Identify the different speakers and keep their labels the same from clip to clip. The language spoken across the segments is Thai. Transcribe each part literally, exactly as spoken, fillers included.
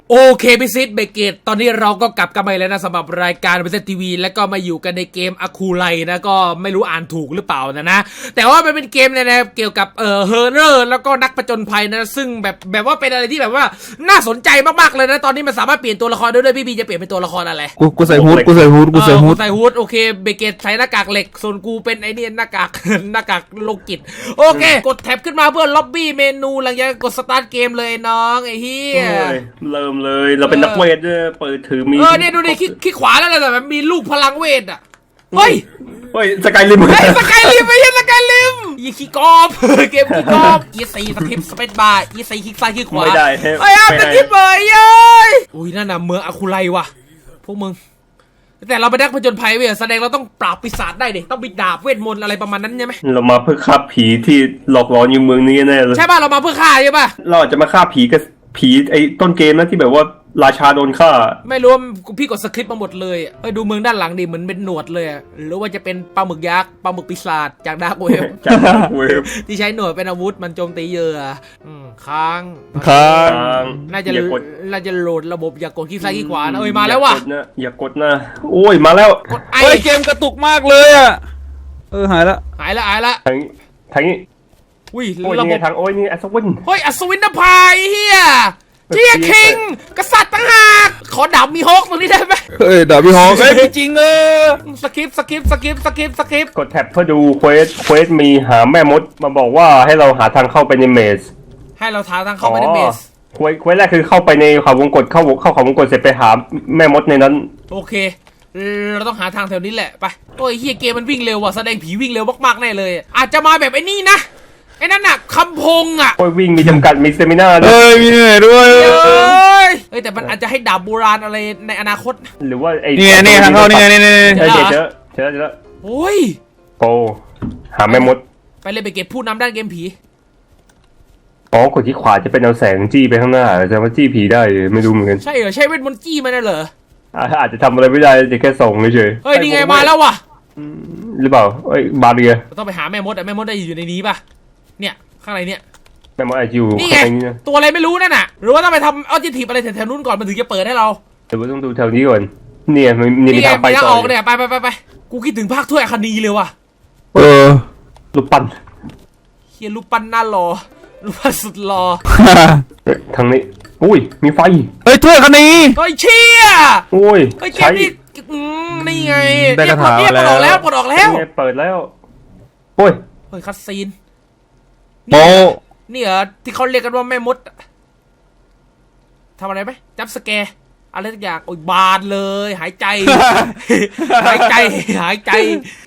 Speaker 1: โอเคพิซิตเบเกตตอนนี้เราก็กลับกันมาแล้วนะสำหรับรายการพิซิตทีวีแล้วก็มาอยู่กันในเกมอะคูไลนะก็ไม่รู้อ่านถูกหรือเปล่านะนะแต่ว่ามันเป็นเกมเนี่ยนะเกี่ยวกับเอ่อเฮอร์เรอร์แล้วก็นักผจญภัยนะซึ่งแบบแบบว่าเป็นอะไรที่แบบว่าน่าสนใจมากๆเลยนะตอนนี้มันสามารถเปลี่ยนตัวละครได้ด้วยพี่บีจะเปลี่ยนเป็นตัวละครอะไร
Speaker 2: กูกูใส่ฮูดกูใส่ฮูดกูใส่ฮูด
Speaker 1: ใส่ฮูดโอเคเบเกตใส่หน้ากากเหล็กส่วนกูเป็นไอเนี่ยหน้ากากหน้ากากโลกิตโอเคกดแท็บขึ้นมาเพื่อล็อบบี้เมนูหลังจากกดสตาร์ทเกมเลยน้องไอ้เหี้ย
Speaker 3: เริ่มเลยเราเป็นนักเวทด้วยเปิดถือมี
Speaker 1: เออเนี่ยดูดิขี้ขวาแล้วแต่แบบมีลูกพลังเวทอ่ะเฮ้ย
Speaker 3: เฮ้ยสกายลิม
Speaker 1: เฮ้ยสกายลิมไม่ใช่สกายลิมยี่ขี้กอบเกมขี้กอบยี่สี่สคริปต์สเปซบาร์ยี่สี่คลิกซ้ายคลิกขวา
Speaker 3: ไม่ได้
Speaker 1: เฮ้ยอ่ะสคริปต์เลยเย้ยอุ้ยนั่นน่ะเมืองอะคูไลว่ะพวกมึงแต่เราไปนักผจญภัยเว้ยแสดงเราต้องปราบปีศาจได้ดิต้องมีดาบเวทมนต์อะไรประมาณนั้นใช่ไหม
Speaker 3: เรามาเพื่อฆ่าผีที่หลอกหลอนอยู่เมืองนี้แน่เลย
Speaker 1: ใช่ป่ะเรามาเพื่อฆ่าใช่ป่ะ
Speaker 3: เราอาจจะมาฆ่าผีกับผีไอ้ต้นเกมนะที่แบบว่าราชาโดนฆ่า
Speaker 1: ไม่รู้ว่าพี่กดสคริปต์มาหมดเลยเฮ้ยดูเมืองด้านหลังดิเหมือนเป็นหนวดเลยหรือว่าจะเป็นปลาหมึกยักษ์ปลาหมึกปีศาจจากดาร์กเวฟ
Speaker 3: จากดาร์กเวฟ
Speaker 1: ที่ใช้หนวดเป็นอาวุธมันโจมตีเหยื่อค้าง
Speaker 2: ค้าง
Speaker 1: น่าจะน่าจะโหลดระบบอย่ากดคลิกซ้ายคลิกขวานะเอ้ยมาแล้วว่ะ
Speaker 3: อย่ากดนะโอ้ยมาแล้ว
Speaker 1: ไอ้
Speaker 2: เกมกระตุกมากเลยอ่ะเออหายละ
Speaker 1: หายละหายละ
Speaker 3: ทางทางนี้
Speaker 1: อุ้ย
Speaker 3: ระบบทางโอ้ยนี่อัศวิน
Speaker 1: เฮ้ยอัศวินนภาเฮียเจียคิงกษัตริย์ต่างหากขอดาบมีฮอกตรงนี้ได้ไหม
Speaker 2: เฮ้ยดาบมีฮอกเฮ้ยจริงเออ
Speaker 1: สกิปสกิปสกิปสกิปสกิป
Speaker 3: กดแท็บเพื่อดูเควสเควสมีหาแม่มดมาบอกว่าให้เราหาทางเข้าไปในเมส
Speaker 1: ให้เราหาทางเข้าไปในเมส
Speaker 3: เควสเควสแรกคือเข้าไปในเขาวงกตเข้าเข้าเขาวงกตเสร็จไปหาแม่มดในนั้น
Speaker 1: โอเคเราต้องหาทางแถวนี้แหละไปโอ้ยเฮียเกมมันวิ่งเร็วว่ะแสดงผีวิ่งเร็วมากๆแน่เลยอาจจะมาแบบไอ้นี่นะไอ้นั่นน่ะคำพงอ่ะ
Speaker 3: โอ้ยวิ่งมีจำกัดมีสเตมิน่า
Speaker 2: ด้วยเอ้ยมีเหนื่อยด้วย
Speaker 1: เอ้ยเฮ้ยแต่มันอาจจะให้ดาบโบราณอะไรในอนาคต
Speaker 3: หรือว่าไอ้
Speaker 2: นี่นี่ทางเข้านี่นี่นี่
Speaker 3: เจอเจอเจอเจอ
Speaker 1: โอ้ย
Speaker 3: โอ้หาแม่มด
Speaker 1: ไปเลยไปเก็บผู้นำด้านเกมผี
Speaker 3: อ๋อกดที่ขวาจะเป็นเอาแสงจี้ไปข้างหน้าจะมาจี้ผีได้ไม่รู้เหมือนกัน
Speaker 1: ใช่เหรอใช่เวทมนต์จี้มันน่ะเหรอ
Speaker 3: อาจจะทำอะไรไม่ได้จะแค่ส่งเฉย
Speaker 1: เฮ้ยนี่ไงมาแล้วว่ะ
Speaker 3: หรือเปล่าเอ้ยบาเรีย
Speaker 1: ต้องไปหาแม่มดอ่ะแม่มดได้อยู่ในนี้ป่ะเนี่ยข้างในเนี่ย
Speaker 3: แม่มดอาจอยู่
Speaker 1: นี่ไงตัวอะไรไม่รู้นั่นน่ะหรือว่าต้องไปทำออจิทีฟอะไรแถวๆนู้นก่อนมันถึงจะเปิดให้เรา
Speaker 3: แต่ว่าต้องดูแถวนี้ก่อนเนี่ยมันมีทางไปต่อ
Speaker 1: เนี่ยไปไปไปไปกูคิดถึงภาคถ้วยอคนีเลยว่ะ
Speaker 2: เออ
Speaker 3: รูปปั้น
Speaker 1: เฮียรูปปั้นน่าหล่อรูปปั้นสุดหล่อ
Speaker 3: ทางนี้อุ้ยมีไฟ
Speaker 2: เฮ้ยถ้วยอคนี
Speaker 1: เฮ้ยเชี่ย
Speaker 3: โอ้ย
Speaker 1: ใช้นี่ไง
Speaker 2: ได้กระถาง
Speaker 1: แล้วปลดออกแล้ว
Speaker 3: ปลดออกแล้วเปิดแล้วโอ้ย
Speaker 1: เฮ้ยคัสซีน
Speaker 2: โอ้
Speaker 1: นี่เหรอที่เขาเรียกกันว่าแม่มดทำอะไรไหมจับสแกร์อะไรทุกอย่างโอ้ยบานเลยหายใจหายใจหายใจ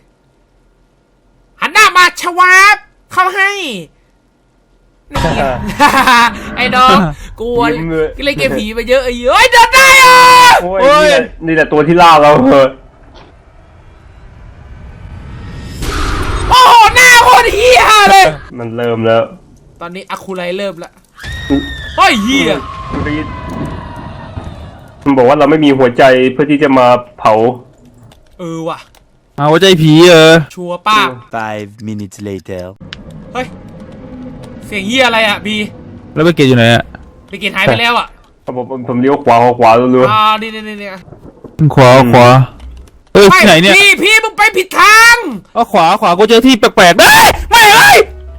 Speaker 1: หันหน้ามาชวาบเข้าให้ไอ้น้องกลัวเล่นเกมผีไปเยอะไอ้เอ้ยเดินได้อ่ะ
Speaker 3: โอ้ยนี่แหละตัวที่ล่าเราเหรอ
Speaker 1: โอ้โหหน้าโคตรเหี้ยเลย
Speaker 3: มันเริ่มแล้ว
Speaker 1: ตอนนี้อะคูไลเริ่มแล้วเฮ้ยเหี้ย
Speaker 3: มันบอกว่าเราไม่มีหัวใจเพื่อที่จะมาเผา
Speaker 1: เออว่ะ
Speaker 2: เอาหัวใจผีเออ
Speaker 1: ชัวร์ป้า
Speaker 4: five minutes later
Speaker 1: เฮ้ยเสียงเหี้ยอะไรอ่ะบี
Speaker 2: แล้วไปเกตอยู่ไหนอ่ะ
Speaker 1: ไปเกตหายไปแล้วอ่ะ
Speaker 3: ผมผมเลี้ยวขวาขวาเรื่อย
Speaker 1: ๆอ่านี่นี่นี่
Speaker 2: ขวาขวาเอ้ยที่ไหนเนี่ย
Speaker 1: พี่พี่มึงไปผิดทาง
Speaker 2: อ๋อขวาขวากูเจอที่แปลกๆได้ไม่เลย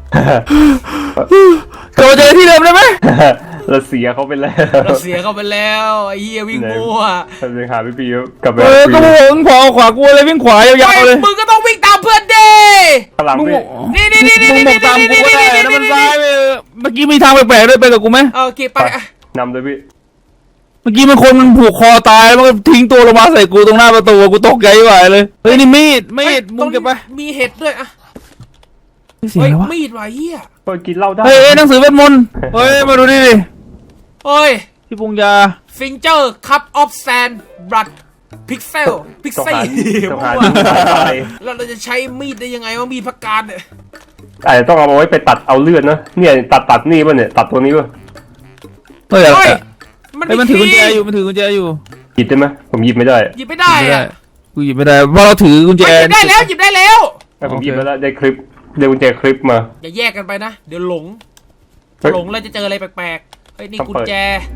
Speaker 2: เราเจอที่เดิมได้ไหม
Speaker 3: เราเสียเขาไปแล้ว
Speaker 1: เราเสียเขาไปแล้วไอ้เหี้ยวิ่งมั่ว
Speaker 3: ทำยังหาพี่ปีกลับไป
Speaker 2: เออก็มึงขวาขวากูเลยวิ่งขวายาวๆเลย
Speaker 1: มึงก็ต้องวิ่งตามเพื่อนดิ
Speaker 3: พลัง
Speaker 1: นี่นี่นี่นี่
Speaker 2: มึงบอกตามกูก็ได้นะมันซ้ายไปเมื่อกี้มีทางแปลกๆด้วยไปกับกูไหม
Speaker 1: โอเคไป
Speaker 3: นำเลยพี่
Speaker 2: เมื่อกี้มันคนมันผูกคอตายแล้วมันก็ทิ้งตัวลงมาใส่กูตรงหน้าประตูกูตกใจไหวเลยเฮ้ยนี่มีดมีดมึงเก็บไป
Speaker 1: มีเห็ดด้วยอะ
Speaker 2: เฮ้ย
Speaker 1: มีดว่ะเหี้ย
Speaker 3: เปิดกินเหล้าได้
Speaker 2: เฮ้ยหนังสือเวทมนต์เฮ้ยมาดูดิดิ
Speaker 1: เฮ้ย
Speaker 2: พี่ปุงยา
Speaker 1: ฟิงเจอร์คัพออฟแซนบลัดพิกเซลพิกเซลแล้วเราจะใช้มีดได้ยังไงว่ามีดพักการเนี่ย
Speaker 3: อาจจะต้องเอาไว้ไปตัดเอาเลือดนะเนี่ยตัดตัดนี่ป่ะเนี่ยตัดตัวนี้ป่ะ
Speaker 2: เฮ้ยมันถือกุญแจอยู่มันถือกุญแจอยู่
Speaker 3: หยิบได้ไหมผมหยิบไม่ได้
Speaker 1: หยิบไม่ได้อะ
Speaker 2: กูหยิบไม่ได้เพราะเราถือกุญแจ
Speaker 1: หยิบได้แล้วหยิบได้แล้ว
Speaker 3: ผมหยิบแล้วได้คลิปได้กุญแจคลิปมา
Speaker 1: อย่าแยกกันไปนะเดี๋ยวหลงหลงแล้วจะเจออะไรแปลกๆเฮ้ยนี่กุญแจ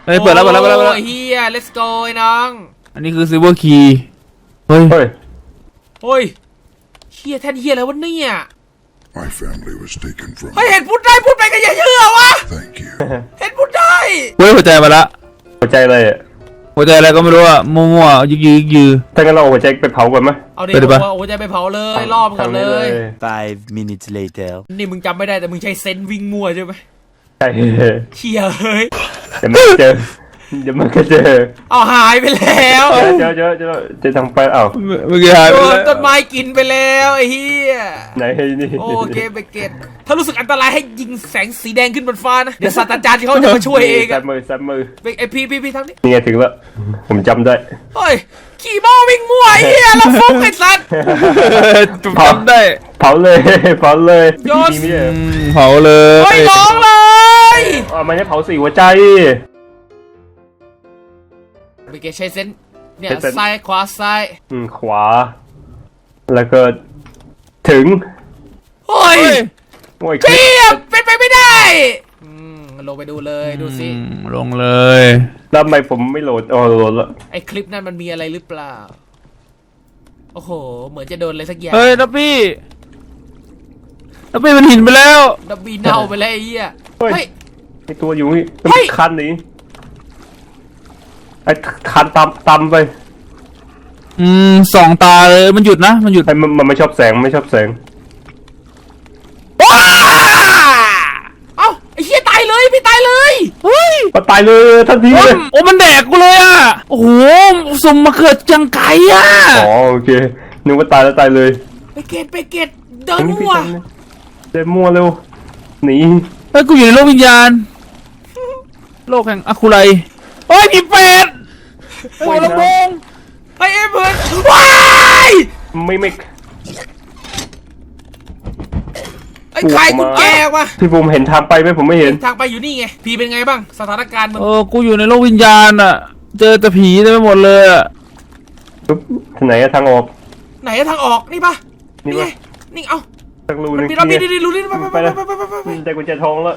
Speaker 2: เฮ้ยเปิดแล้วเปิดแล้วเปิดแล้วเปิดแล้ว
Speaker 1: โอ้ยเฮีย let's go ไอ้น้อง
Speaker 2: อันนี้คือซิลเวอร์คีย์เฮ้ย
Speaker 3: เฮ้ย
Speaker 1: โอ้ยเฮียแทนเฮียอะไรวะเนี่ย
Speaker 5: My family was taken from
Speaker 1: เฮ้ย
Speaker 5: me.
Speaker 1: เห็นพูดได้พูดไปกันอย่าเชื่อวะ
Speaker 5: Thank you.
Speaker 1: เห็นพูดได้
Speaker 2: เฮ้ยหัวใจมาละ
Speaker 3: หัวใจอะไรอ่ะ
Speaker 2: หัวใจอะไรก็ไม่รู้อะมั่วๆยึกยืกยือ
Speaker 3: ถ้างั้นเราเอาหัวใจไปเผาก่อนไหม
Speaker 1: เอาดิ
Speaker 2: ไปดิปะ
Speaker 1: โอ้ยใจไปเผาเลยรอบก่อนเลย
Speaker 4: Five minutes later.
Speaker 1: นี่มึงจำไม่ได้แต่มึงใช้เซนส์วิ่งมั่วใช่ไหม
Speaker 3: ใช่
Speaker 1: เชี่ยเฮ้ย
Speaker 3: เดี๋ยวมันก็เจอเดี๋ยวมันก็เจอ
Speaker 1: เอาหายไปแล้ว
Speaker 3: เจอเจอเจอเจอทางไปอ้าว
Speaker 2: เมื่อกี้หายไป
Speaker 1: โดน
Speaker 2: แล้ว
Speaker 1: ต้นไม้กินไปแล้วไอ้เฮีย
Speaker 3: ไหนนี่
Speaker 1: โอเคเบเกตถ้ารู้สึกอันตรายให้ยิงแสงสีแดงขึ้นบนฟ้านะ เดี๋ยวศาสตราจารย์ที่เขาจะมาช่วยเอง
Speaker 3: ซั
Speaker 1: อะ
Speaker 3: บมือซับมือ
Speaker 1: ไอ้พี่พี่พี่ทำนี่
Speaker 3: นี่ไงถึงแล้วผมจำได้
Speaker 1: เฮ้ยขี่ม้าวิ่งมั่วไอ้เฮียแล้วฟุกไอ้สัตว์
Speaker 2: จำได้
Speaker 3: เผาเลยเผาเลย
Speaker 1: โยน
Speaker 3: พี่ไม่ได้
Speaker 2: อืมเผาเลย
Speaker 1: เฮ้ยน้องเลย
Speaker 3: อ๋อมันจะเผาสี่หัวใจ
Speaker 1: เบเกตใช้เซนส์เนี่ย
Speaker 3: ใช้เซนส์
Speaker 1: ซ้ายขวาซ้าย
Speaker 3: อืมขวา แล้วก็ถึง
Speaker 1: เฮ้ย
Speaker 2: เฮ้ย
Speaker 3: โอ้ย
Speaker 1: เฮียเป็นไปไม่ได้อืมลงไปดูเลยดูสิ
Speaker 2: อืมลงเลย
Speaker 3: แล้วทำไมผมไม่โหลดอ๋อโหลดแล้ว
Speaker 1: ไอ้คลิปนั้นมันมีอะไรหรือเปล่าโอ้โหเหมือนจะโดนอะไรสักอย่าง
Speaker 2: เฮ้ยดับบี้ดับบี้มันหินไปแล้ว
Speaker 1: ดับบีเน่าไปแล้วไอ้เหี้ย
Speaker 3: เฮ้ย
Speaker 1: เฮ้ย
Speaker 3: ไอตัวอยู่นี่
Speaker 1: เฮ้ย
Speaker 3: คันนี้ไอคันตามตามไป
Speaker 2: อืมสองตาเลยมันหยุดนะมันหยุด
Speaker 3: ไอมันมันไม่ชอบแสงไม่ชอบแสง
Speaker 1: ว้าเอ้าไอ้เหี้ยตายเลยพี่ตายเลย
Speaker 2: เฮ้ย
Speaker 3: ก็ตายเลยทันที
Speaker 2: โอ้
Speaker 3: เลย
Speaker 2: โอ้มันแดกกูเลยอ่ะโอ้โหสมมาเกิดจังไกอ่ะ
Speaker 3: อ๋อโอเคนึกว่าตายแล้วตายเลย
Speaker 1: ไปเกตไปเกตเดินมั่ว
Speaker 3: เดินมั่วเร็วหนี
Speaker 2: เฮ้ยกูอยู่ในโลกวิญญาณโลกแห่งอะคุไรเฮ้ยผีเป็ดโอ้ยลำโพง
Speaker 1: ไอ้เอ็มเพื่อนว้าย
Speaker 3: ไม่ไม่
Speaker 1: ไอ้ใครกุญแจวะ
Speaker 3: พี่ผมเห็นทางไปไหมผมไม่เห็น
Speaker 1: ทางไปอยู่นี่ไงพี่เป็นไงบ้างสถานการณ์มึง
Speaker 2: เออกูอยู่ในโลกวิญญาณอ่ะเจอแต่ผีเต็มไปหมดเลยอ่ะ
Speaker 3: ปุ๊บทางไหนอะทางออก
Speaker 1: ไหนอะทางออกนี่ปะ
Speaker 3: นี่
Speaker 1: นี่ไง
Speaker 3: ปะ
Speaker 1: นี่เอ้า
Speaker 3: ทางรู
Speaker 1: มัน
Speaker 3: นึง
Speaker 1: มีเรามี
Speaker 3: นี่
Speaker 1: ดีๆรู้นี่ไปไปไป
Speaker 3: ไป
Speaker 1: ไป
Speaker 3: แล้ว
Speaker 1: ไปไปไปไป
Speaker 3: ได้กุญแจทองแล้ว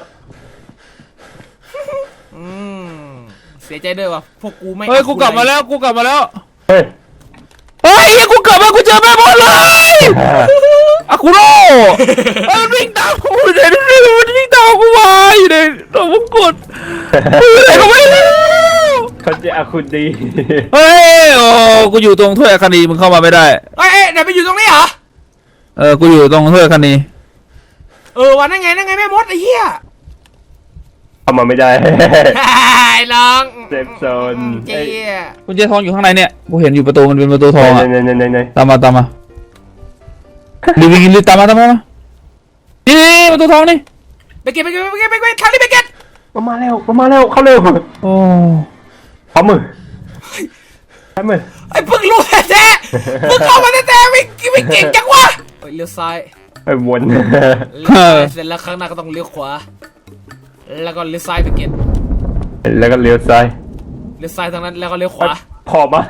Speaker 1: อืมเสียใจด้วยว่ะพวกกูไม่
Speaker 2: เฮ้ยกูกลับมาแล้วกูกลับมาแล้ว
Speaker 3: เฮ้ย
Speaker 2: เฮ้ยเหี้ยกูกลับมากูเจอแม่บอลเลยอะคุโร่เฮ้ยมันวิ่งตามกูอยู่ในนี่มันวิ่งตามกูมาอยู่ในตัวมงกุฎกูอยู่ไหนก็ไม่รู้
Speaker 3: เขาจะอาคุณดี
Speaker 2: เฮ้ยโอ้กูอยู่ตรงถ้วยคดีมึงเข้ามาไม่ได้
Speaker 1: เอ้ยเอ้ยไหนไปอยู่ตรงนี้เหรอ
Speaker 2: เออกูอยู่ตรงถ้วยคดี
Speaker 1: เออวันนั่นไงนั่นไงแม่มดไอ้เหี้ย
Speaker 3: เข้ามาไม่ได้
Speaker 1: ไอ้น้อง
Speaker 3: เซฟโซน
Speaker 1: เจี๊ย
Speaker 2: กุญแจทองอยู่ข้างในเนี่ยกูเห็นอยู่ประตูมันเป็นประตูทอง
Speaker 3: ไหน
Speaker 2: อ่ะ
Speaker 3: ไหนไหนไหนไหน
Speaker 2: ตามมาตามมารีบรีบรีบตามมาตามมานี่นี่ประตูทองนี่
Speaker 1: ไปเก็บไปเก็บไปเก็บไปเก็บทางนี้ไปเก็บ
Speaker 3: มามาแล้วมามาแล้วเข้าเร็ว
Speaker 2: โอ้
Speaker 3: พร้อมมือใช้มือ
Speaker 1: ไอ้เพิ่งรู้แท้ๆเพิ่งเข้ามาแท้ๆไม่ไม่เก่งจังวะเฮ้ยเลี้ยวซ้าย
Speaker 3: ไอ้วน
Speaker 1: เลี้ยวซ้ายเสร็จแล้วข้างหน้าก็ต้องเลี้ยวขวาแล้วก็เลี้ยวซ้ายไปเก็บ
Speaker 3: แล้วก็เลี้ยวซ้าย
Speaker 1: เลี้ยวซ้ายทางนั้นแล้วก็เลี้ยวขวา
Speaker 3: พอมา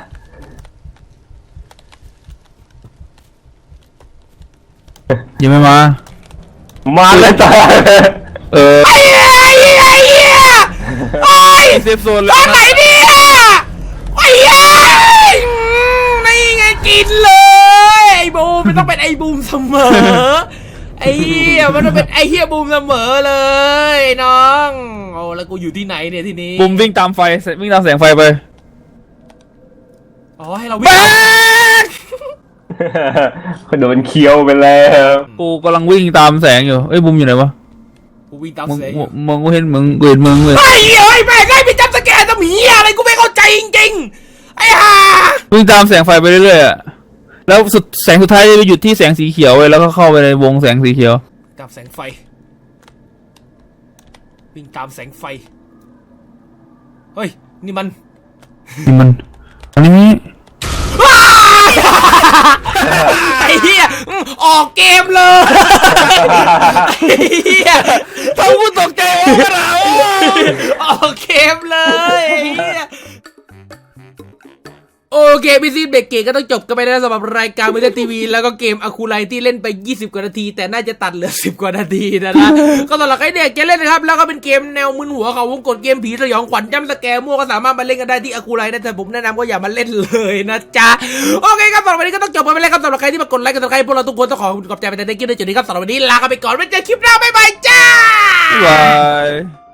Speaker 2: ยังไม่มา
Speaker 3: มาแล้วจ้า
Speaker 2: เออ
Speaker 1: ไอ้เหี้ยไอ้เหี้ยไอ้เหี้ยโอ้ย
Speaker 2: เซฟโซนเล
Speaker 1: ตอย นไหนเนี่ยไอ้เหี้ยอืมนี่ไงกินเลยไอ้บูมมันต้องเป็นไอ้บูมเสมอไอ้เหี้ยมันต้องเป็นไอ้เหี้ยบูมเสมอเลยน้องโอ้แล้วกูอยู่ที่ไหนเนี่ยทีนี้
Speaker 2: บุมวิ่งตามไฟวิ่งตามแสงไฟไป
Speaker 1: อ๋อให้เราวิ่ง
Speaker 3: โดนเคี้ยวไปแล้ว
Speaker 2: กูกำลังวิ่งตามแสงอยู่เอ้ยบุมอยู่ไหนวะ
Speaker 1: กูวิ่งตาม
Speaker 2: มึง
Speaker 1: เสียง
Speaker 2: มึงมึงกูเห็นมึงกูเห็นมึงเลย
Speaker 1: ไอ้เหี้ยไอ้แม่งไอ้ไปจับสแกนทำเหี้ยอะไรกูไม่เข้าใจจริงๆไอ้ห่า
Speaker 2: วิ่งตามแสงไฟไปเรื่อยๆอะแล้วสุดแสงสุดท้ายจะไปหยุดที่แสงสีเขียวเลยแล้วก็เข้าไปในวงแสงสีเขียว
Speaker 1: ตามแสงไฟวิ่งตามแสงไฟเฮ้ยนี่มัน
Speaker 2: นี่มันอันนี้
Speaker 1: ไอ้เหี้ยอืมออกเกมเลยไอ้เหี้ย
Speaker 2: ทำกูตกใจโอ้กระเรา
Speaker 1: ออกเกมเลยไอ้เหี้ยโอ้เคพี่ซีเบรกเกตก็ต้องจบกันไปแล้วสำหรับรายการมือถือทีวีแล้วก็เกมอะคูไลที่เล่นไปยี่สิบกว่านาทีแต่น่าจะตัดเหลือสิบกว่านาทีนะนะ ก็สำหรับใครเนี่ยเกมเล่นนะครับแล้วก็เป็นเกมแนวมึนหัวเขาวงกดเกมผีสยองขวัญจ้ำสแกร์มั่วก็สามารถมาเล่นกันได้ที่อะคูไลนะแต่ผมแนะนำก็อย่ามาเล่นเลยนะจ๊ะโอเคครับสำหรับวันนี้ก็ต้องจบกันไปแล้วครับสำหรับใครที่มากดไลค์กันสำหรับใครพวกเราทุกคนต้องขอขอบใจไปแต่ในคลิปในจุดนี้ครับสำหรับวันนี้ลากันไปก่อนไว้เจอคลิปหน้าบ๊ายบายจ้า
Speaker 2: บาย